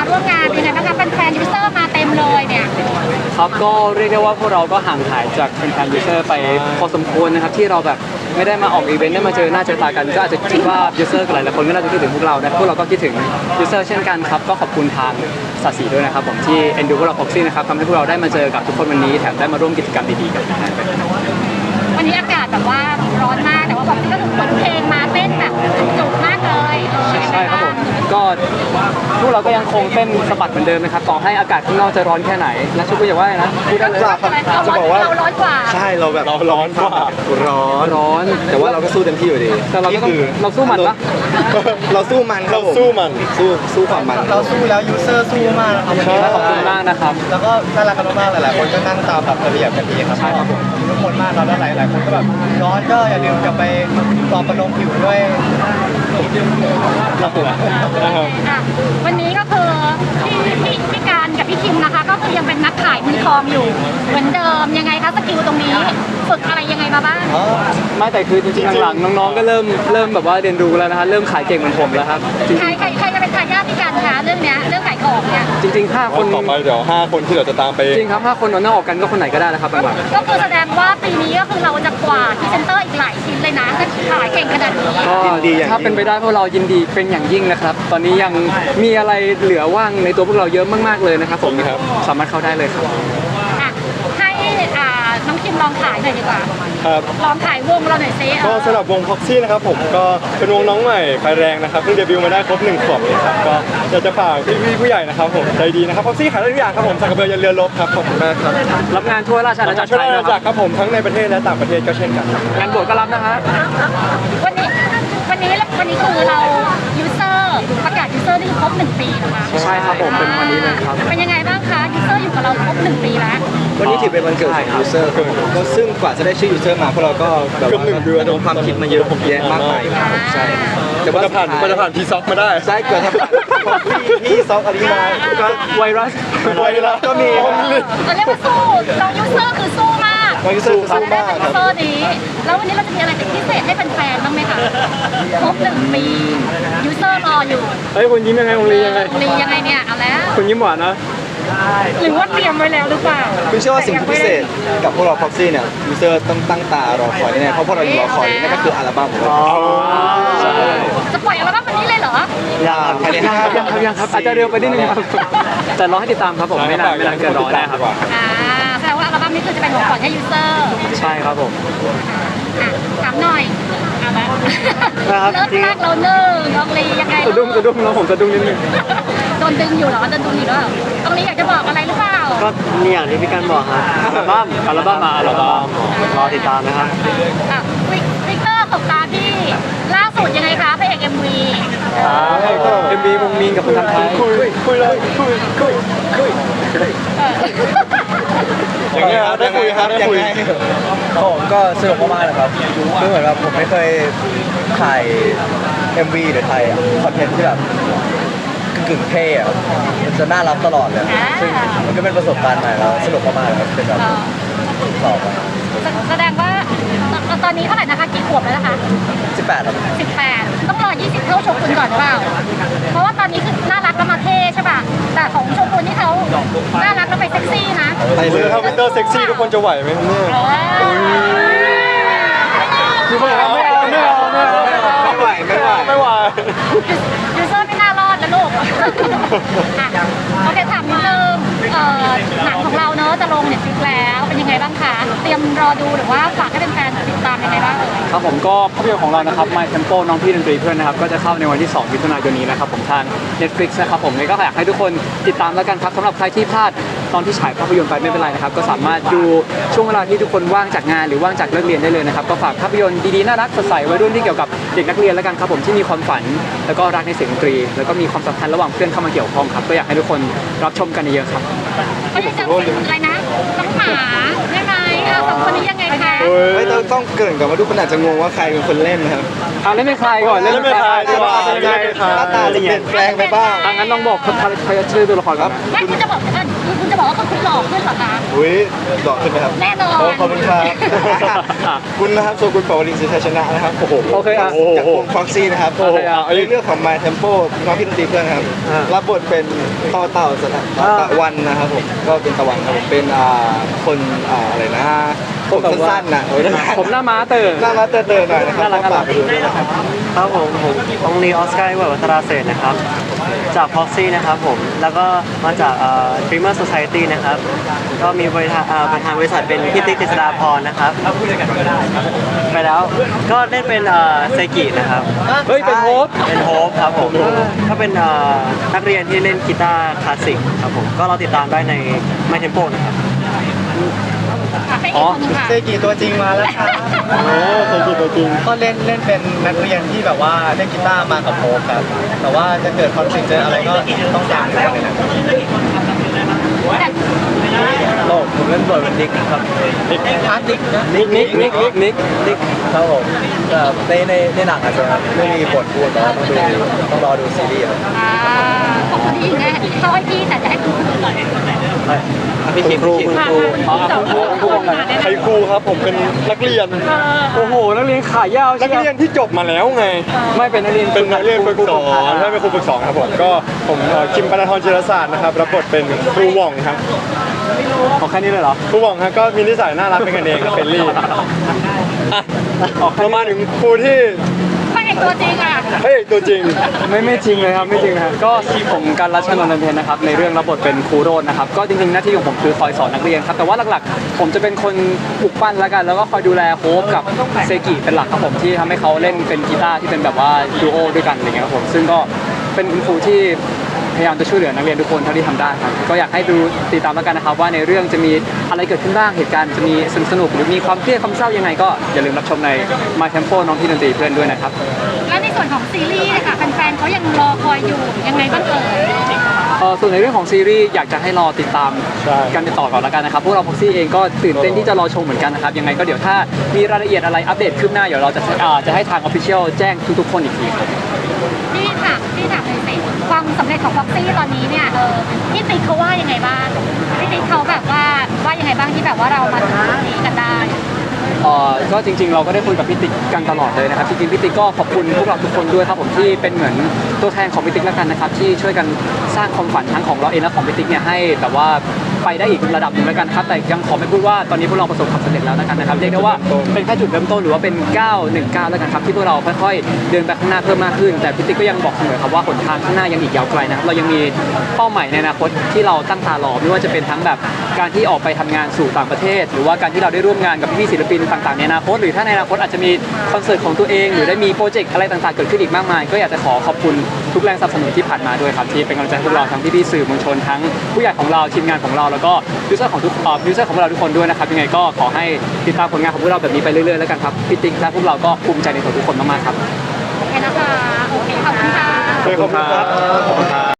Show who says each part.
Speaker 1: ร่วมงานเป็นไงบ้างคะแฟนๆยูเซอร์มาเต็มเลยเนี่ย
Speaker 2: ครับก็เรียกได้ว่าพวกเราก็ห่างหายจากแฟนๆยูเซอร์ไปพอสมควรนะครับที่เราแบบไม่ได้มาออกอีเวนต์ได้มาเจอหน้าเจอตากันก็อาจจะคิดว่ายูเซอร์หลายๆคนก็น่าจะคิดถึงพวกเรานะพวกเราก็คิดถึงยูเซอร์เช่นกันครับก็ขอบคุณทางสาสีด้วยนะครับผมที่เอ็นดูพวกเราพ็อกซี่นะครับทำให้พวกเราได้มาเจอกับทุกคนวันนี้แถมได้มาร่วมกิจกรรมดีๆกับแฟนๆ
Speaker 1: วันนี้อากาศแบบว่าร้อนมากแต่ว่าบอกที่ก็ถึงคนเพลงมาเต้นแบบจุกมากเลย
Speaker 2: ใช่ครับผมก็พวกเราก็ยังคงเต้นสะบัดเหมือนเดิมนะครับต่อให้อากาศข้างนอกจะร้อนแค่ไหนและชุกก็อย่าว่าเลยนะพูดได้เลย
Speaker 1: จะบอกว่าเราร้อนกว่า
Speaker 3: ใช่เราแบบ
Speaker 2: เราร้อนกว่าร้อน
Speaker 3: แต่ว่าเราก็สู้เต็มที่อยู่ดี
Speaker 2: แต่เราก็ต้องเราสู้มันปะ
Speaker 3: เราสู้มันเราสู้มันสู้ความมัน
Speaker 4: เราสู้แล้วยูเซอร์สู้มากครับวันนี้
Speaker 2: ขอบคุณมากนะครับ
Speaker 4: แล้วก็น่ารักกันมากๆหลายๆคนก็นั่งตามแบบระเบียบกันดีครับ
Speaker 2: ใช่ครับผม
Speaker 4: ทุกคนมากแล้วหลายๆคนก็แบบร้อนก็อย่าลืมกลับไปปลอบประโลมผิวด้วย
Speaker 2: ครับผม
Speaker 1: วันนี้ก็คือพี่การกับพี่คิมนะคะก็คือยังเป็นนักขายมือทองอยู่เหมือนเดิมยังไงคะสกิลตรงนี้ฝึกอะไรยังไงมาบ้าง
Speaker 2: ไม่แต่คือจริงๆหลังๆน้องๆก็เริ่มแบบว่าเรียนรู้แล้วนะฮะเริ่มขายเก่งเหมือนผมแล้วครับ
Speaker 1: ใครจะเป็นทายาทพี่การคะเรื่องเนี้ยเรื่องขายของเนี่ย
Speaker 2: จริงๆ5 คน
Speaker 3: ต่อไปเดี๋ยว5 คนที่เราจะตามไป
Speaker 2: จริงครับ5 คนนอกออกกันก็คนไหนก็ได้แล้วครับหลัง
Speaker 1: ๆก็คือแสดงว่าปีนี้ก็คือเราจะกวาดพรีเซนเตอร์อีกหลายชิ้นเลยนะถ้าขายเก่งขนาดนี้
Speaker 2: ก็ถ้าเป็นไปได้พวกเรายินดีเป็นอย่างยิ่งนะครับตอนนี้ยังมีอะไรเหลือว่างในตัวพวกเราเยอะมากๆเลยนะครับผมสามารถเข้าได้เลยครับ
Speaker 1: ให้น้องคิมลองขายหน่อยดีกว่า
Speaker 3: ครับ
Speaker 1: ลองขายวงเราหน่อยซิ
Speaker 3: ก็สำหรับวงพ็อกซี่นะครับผมก็เป็นวงน้องใหม่ไฟแรงนะครับเพิ่งเดบิวต์มาได้ครบ1 ขวบเลยครับก็อยากจะฝากพี่ผู้ใหญ่นะครับผมใจดีนะครับพ็อกซี่ขายได้ทุกอย่างครับผมสักกระเบือยันเรือรบครับขอบคุณมากครับ
Speaker 2: รับงานทั่วราชอาณาจักร
Speaker 3: ทั่วราชอาณาจักรครับผมทั้งในประเทศและต่างประเทศก็เช่นกัน
Speaker 2: งานบวชก็รับนะฮะ
Speaker 1: วันนี้คือเรายูเซอร์ประกาศยูเซอร์ที่ครบ1 ปีนะคะ
Speaker 2: ใช่ครับผมเป็นวันนี้เลยครับ
Speaker 1: เป็นยังไงบ้างคะยูเซอร์อยู่กับเราครบ1 ปีแล้ว
Speaker 3: วันนี้ถือเป็นวันเกิดของยูเซอร์ก็ซึ่งกว่าจะได้ชื่อยูเซอร์มาพวกเราก็แบบว่าระดมความคิดมาเยอะแยะมากมายใช่แต่ว่าจะผ่านพีซ็อกมาได้ใช่เกิดพี่ซ็อกอะไรมาก็
Speaker 2: ไวรัส
Speaker 3: ก็มี
Speaker 1: เราเรียกว่าสู้เรายูเซอร์คือสู้มาก
Speaker 3: เรายูเซอร์สู้มาก
Speaker 1: ยูเซอร์นี้แล้ววันนี้เราจะมีอะไรเป็นพิเศษให้แฟนๆบ้างไหมคะครบ1 ปียูเซอร์รออยู่
Speaker 2: เฮ้ยคุณยิ้มยังไงองลียังไง
Speaker 1: เนี่ยเอาแล้ว
Speaker 2: คุณยิ้มหวานนะ
Speaker 1: หรือว่าเตรียมไว้แล้วหรือเปล่า
Speaker 3: คุณเชื่อว่าสิ่งที่พิเศษกับพวกเราพ็อกซี่เนี่ยยูเซอร์ต้องตั้งตารอคอยแน่เพราะพวกเรารอคอยนั่นก็คืออัลบั้ม
Speaker 1: จะปล่อยอัลบั้มวันนี้เลยเหรอ
Speaker 2: ยังครับอาจจะเร็วไปนิดนึงครับแต่รอให้ติดตามครับผมไม่นานเกินรอแน่ครับ
Speaker 1: แสดงว่าอัลบั้มนี้คือจะเป็นของขวัญให้ยูเซอร์
Speaker 2: ใช่ครับผม
Speaker 1: ถามหน่อยเอาละเริ่มแรกเราน้องลียังไง
Speaker 2: สะดุ้งแล้วผมสะดุ้งนิดนึง
Speaker 1: โดนดึงอยู่เหรอโดนดึงอยู่เหรอตรงนี้อยากจะบอกอะไรหรือเปล่า
Speaker 2: ก็นี่อย่างที่พี่กันบอกครับอัลบั้มรอติดตามนะครับ
Speaker 1: วิกเตอร์ตบตาพี่ล่าสุดยังไงคะพระเอก MV
Speaker 2: วงมีนกับคนทำไทยคุยเลย
Speaker 3: อย่างเงี้ยได้คุยครับได้คุย
Speaker 4: ผมก็สนุกมากๆเลยครับคือเหมือนแบบผมไม่เคยถ่าย MV หรือถ่ายคอนเทนต์ที่แบบกึ่งเท่อะมันจะน่ารักตลอดเลยซึ่งมันก็เป็นประสบการณ์ใหม่แล้วสนุกมากๆเลยครับเป็นแบบสอบ
Speaker 1: แสดงว่าตอนนี้เท่าไหร่นะคะกี่ขวบแล้วนะคะ
Speaker 4: 18ครับ
Speaker 1: 18ต้องรอ20เท่าโชกุนก่อนหรือเปล่าเพราะว่าตอนนี้คือน่ารักแล้วมาเท่ใช่ป่ะแต่ของโชกุนนี่เขาน่ารักแล้วไปเซ็กซี่นะ
Speaker 3: ไปเลยถ้าวินเตอร์เซ็กซี่ทุกคนจะไหวไหมเนี่ย
Speaker 2: คือไม่เอา
Speaker 3: ไม่ไหว
Speaker 1: ยูเซอร์ไม่น่ารอดนะลูกโอเคถามนิดนึงหนังของเราเนอะจะลงเน็ตฟลิกแล้วเป็นยังไงบ้างคะเตรียมรอดูหรือว่าฝากให้แฟนๆติดตามยังไงบ้าง
Speaker 2: ครับผมก็ภาพยนตร์ของเรานะครับ My Tempo น้องพี่ดนตรีเพื่อนนะครับก็จะเข้าในวันที่2 มิถุนายนนี้นะครับผมทาง Netflix นะครับผมก็อยากให้ทุกคนติดตามแล้วกันครับสำหรับใครที่พลาดตอนที่ฉายภาพยนตร์ไปไม่เป็นไรนะครับก็สามารถดูช่วงเวลาที่ทุกคนว่างจากงานหรือว่างจากเลิกเรียนได้เลยนะครับก็ฝากภาพยนตร์ดีๆน่ารักสดใสวัยรุ่นที่เกี่ยวกับเด็กนักเรียนแล้วกันครับผมที่มีความฝันแล้วก็รักในเสียงดนตรีแล้วก็มีความสัมพันธ์ระหว่างเพื่อนเข้ามาเกี่ยวข้องครับก็อยากให้ทุกคนรับชมกันเยอะครับ
Speaker 1: ไม่ได้จำอะไรนะน้องหมาใช่ไหม2 คนนี้ยังไงคะ
Speaker 3: ไม่ต้องเกริ่นก่อนว่าทุกคนอาจจะงงว่าใครเป็นคนเล่นนะครับ
Speaker 2: เล่นเป็นใครก่อน
Speaker 3: เล่นเป็นใครดีกว่าหน้าตาจะเปลี่ยนแปลงไปบ้าง
Speaker 2: งั้นลองบอกใครชื่อตัวละครครับ
Speaker 1: ไม่คุณจะบอกบอกว่าคุณหล่อขึ้นเหรอคะ
Speaker 3: อุ้ยหล่อขึ้นไหมครับ
Speaker 1: แน่นอน
Speaker 3: โขอบคุณครับคุณนะครับโชกุนปวรินทร์สิทธาชนะนะครับโอ้โห
Speaker 2: โอเคอ่ะ
Speaker 3: จากวงฟ็อกซี่นะครับ
Speaker 2: โอ้โห
Speaker 3: ในเรื่องของ My Tempo น้องพี่ดนตรีเพื่อนนะครับรับบทเป็นต่อเต่าสถาตะวันนะครับผมก็เป็นตะวันครับผมเป็นคนอะไรนะผมสั้นๆนะโอ้ย
Speaker 2: ผมหน้าม้าเตอร์
Speaker 3: หน้ามาเตอร์หน่อยนะครับ
Speaker 2: น่ารัก
Speaker 3: ฝากไปดูด้วยนะครับ
Speaker 5: ครับผมองลีออสการ์วัฒนาเศรษฐ์นะครับจากพ็อกซี่นะครับผมแล้วก็มาจากDreamer Society นะครับก็มีประธานบริษัทเป็นพี่ติ๊กกฤษฎาพรนะครับไปแล้วก็เล่นเป็นเซกินะครับ
Speaker 2: เฮ้ยเป็นโฮป
Speaker 5: เป็นโฮปครับผมก็เป็นนักเรียนที่เล่นกีตาร์คลาสสิกครับผมก็เราติดตามได้ใน My Tempo นะครับ
Speaker 1: ให้อีกคนหนึงค่ะ
Speaker 4: เซกิตัวจริงมาแล้วครับ
Speaker 3: โอ้เคยกินตัวจริง
Speaker 4: ก็เล่นเป็นนักเรียนที่แบบว่าเล่นกีตาร์มากับโฮปครับแต่ว่าจะเกิดคอนฟ lict เจออะไรก็ต้องตามดูในหนังโลกผมเล่นบทเป็นนิกครับนิกฮาร์ดนิกนะ
Speaker 2: นิก
Speaker 4: ครับผมในหนังอาจจะไม่มีบทพูดแต่ว่าต้องรอดูซีรีส์ครับ
Speaker 1: ขอบคุณที่ยิงไงเขาให้พี่แต่จะให้คุณครูก่อน
Speaker 5: พี่ครูคุณครู
Speaker 2: อ๋อคุณครูบอกกัน
Speaker 6: ไทครูครับผมเป็นนักเรียน
Speaker 2: โอ้โหนักเรียนขายาว
Speaker 6: นักเรียนที่จบมาแล้วไง
Speaker 2: ไม่เป็นนักเรียน
Speaker 6: เป็นนักเรียนฝึกสอนใช่เป็นครูฝึกสอนครับผมก็ผมคิมปนธรจิรศาสตร์นะครับรับบทเป็นครูหว่องครับ
Speaker 2: เอาแค่นี้เลยเหรอ
Speaker 6: ครูหว่องครับก็มีนิสัยน่ารักเป็นกันเองครับเฟรนลี่อ่ะเรามาถึงครูที่
Speaker 1: พระเอกตัวจริงอ่ะ
Speaker 6: เฮ้ยตัวจริง
Speaker 2: ไม่จริงเลยครับไม่จริงนะครับก็ผมการรัชนนท์เพ็ญนะครับในเรื่องรับบทเป็นครูโรจน์นะครับก็จริงๆหน้าที่ของผมคือคอยสอนนักเรียนครับแต่ว่าหลักๆ ผมจะเป็นคนปลุกปั้นแล้วกันแล้วก็คอยดูแลโฮปกับเซกิเป็นหลักครับผมที่ทำให้เขาเล่นเป็นกีตาร์ที่เป็นแบบว่าดูโอด้วยกันอะไรเงี้ยครับผมซึ่งก็เป็นคุณครูที่พยายามจะช่วยเหลือนักเรียนทุกคนเท่าที่ทำได้ครับก็อยากให้ดูติดตามแล้วกันนะครับว่าในเรื่องจะมีอะไรเกิดขึ้นบ้างเหตุการณ์จะมีสนุกหรือมีความเครียดความเศร้ายังไงก็อย่าลืมรับชมใน My Tempo น้องที่ดนตรีเพื่อนด้วยนะครับ
Speaker 1: และในส่วนของซีรีส์นะคะแฟนๆเขายังรอคอยอยู่ยังไงบ้างเอ่ย
Speaker 2: ส่วนในเรื่องของซีรีส์อยากจะให้รอติดตามกันต่อก่อนแล้วกันนะครับพวกเราพ็อกซี่เองก็ตื่นเต้นที่จะรอชมเหมือนกันนะครับยังไงก็เดี๋ยวถ้ามีรายละเอียดอะไรอัปเดตขึ้นหน้าเดี๋ยวเราจะให้ทาง Official แจ้งทุกๆคนอีกทีครับ
Speaker 1: พี่ถามเลยสิความสำเร็จของฟ็อกซี่ตอนนี้เนี่ยพี่ติ๊กเขาว่ายังไงบ้างพี่ติ๊กเขาแบบว่ายังไงบ้างที่แบบว่าเรามาถึงจุดนี้กันได้
Speaker 2: ก็จริงๆเราก็ได้คุยกับพี่ติ๊กกันตลอดเลยนะครับจริงๆพี่ติ๊กก็ขอบคุณพวกเราทุกคนด้วยครับผมที่เป็นเหมือนตัวแทนของพี่ติ๊กแล้วกันนะครับที่ช่วยกันสร้างความฝันทั้งของเราเองและของพี่ติ๊กเนี่ยให้แบบว่าไปได้อีกระดับหนึ่งแล้วกันครับแต่ยังขอไม่พูดว่าตอนนี้พวกเราประสบความสำเร็จแล้วนะครับเรียกได้ว่าเป็นแค่จุดเริ่มต้นหรือว่าเป็น919แล้วกันครับที่พวกเราค่อยๆเดินไปข้างหน้าเพิ่มมากขึ้นแต่พี่ติ๊กก็ยังบอกเสมอครับว่าหนทางข้างหน้ายังอีกยาวไกลนะครับเรายังมีเป้าหมายในอนาคตที่เราตั้งตารอไม่ว่าจะเป็นทั้งแบบการที่ออกไปทำงานสู่ต่างประเทศ หรือว่าการที่เราได้ร่วมงานกับพี่ๆศิลปินต่างๆในอนาคตหรือถ้าในอนาคตอาจจะมีคอนเสิร์ตของตัวเองหรือได้มีโปรเจกต์อะไรต่างๆเกิดขึ้นอีกมากมายก็อยากจะขอบคุณทุกแรงสนับสนุนที่ผ่านมาด้วยครับที่เป็นกำลังใจให้พวกเราทั้งพี่ๆสื่อมวลชนทั้งผู้ใหญ่ของเราทีมงานของเราแล้วก็ยูเซอร์ของพวกเราทุกคนด้วยนะครับยังไงก็ขอให้ติดตามผลงานของพวกเราแบบนี้ไปเรื่อยๆแล้วกันครับพี่ติ๊กและพวกเราก็ภูมิใจในตัวทุกคนมากๆครับ
Speaker 1: โอเคนะคะโอเคขอบคุณค่ะ
Speaker 6: ขอบคุณครับ